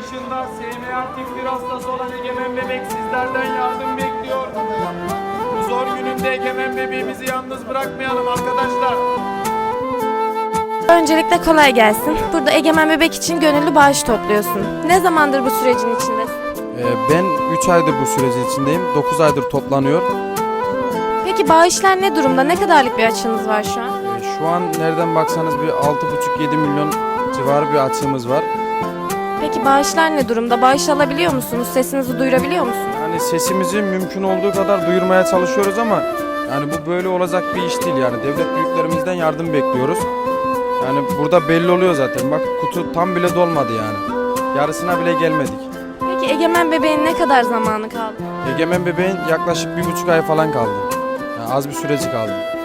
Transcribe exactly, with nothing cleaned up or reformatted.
yaşında S M A tip bir hastası olan Egemen bebek sizlerden yardım bekliyor. Bu zor gününde Egemen bebeğimizi yalnız bırakmayalım arkadaşlar. Öncelikle kolay gelsin. Burada Egemen Bebek için gönüllü bağış topluyorsun. Ne zamandır bu sürecin içindesin? Ee, Ben üç aydır bu sürecin içindeyim. dokuz aydır toplanıyor. Peki bağışlar ne durumda? Ne kadarlık bir açığınız var şu an? Ee, Şu an nereden baksanız bir altı buçuk yedi milyon civarı bir açığımız var. Peki bağışlar ne durumda? Bağış alabiliyor musunuz? Sesinizi duyurabiliyor musunuz? Yani sesimizi mümkün olduğu kadar duyurmaya çalışıyoruz ama yani bu böyle olacak bir iş değil yani. Devlet büyüklerimizden yardım bekliyoruz. Yani burada belli oluyor zaten. Bak kutu tam bile dolmadı yani. Yarısına bile gelmedik. Peki Egemen Bebeğin ne kadar zamanı kaldı? Egemen bebeğin yaklaşık bir buçuk ay falan kaldı. Yani az bir süreci kaldı.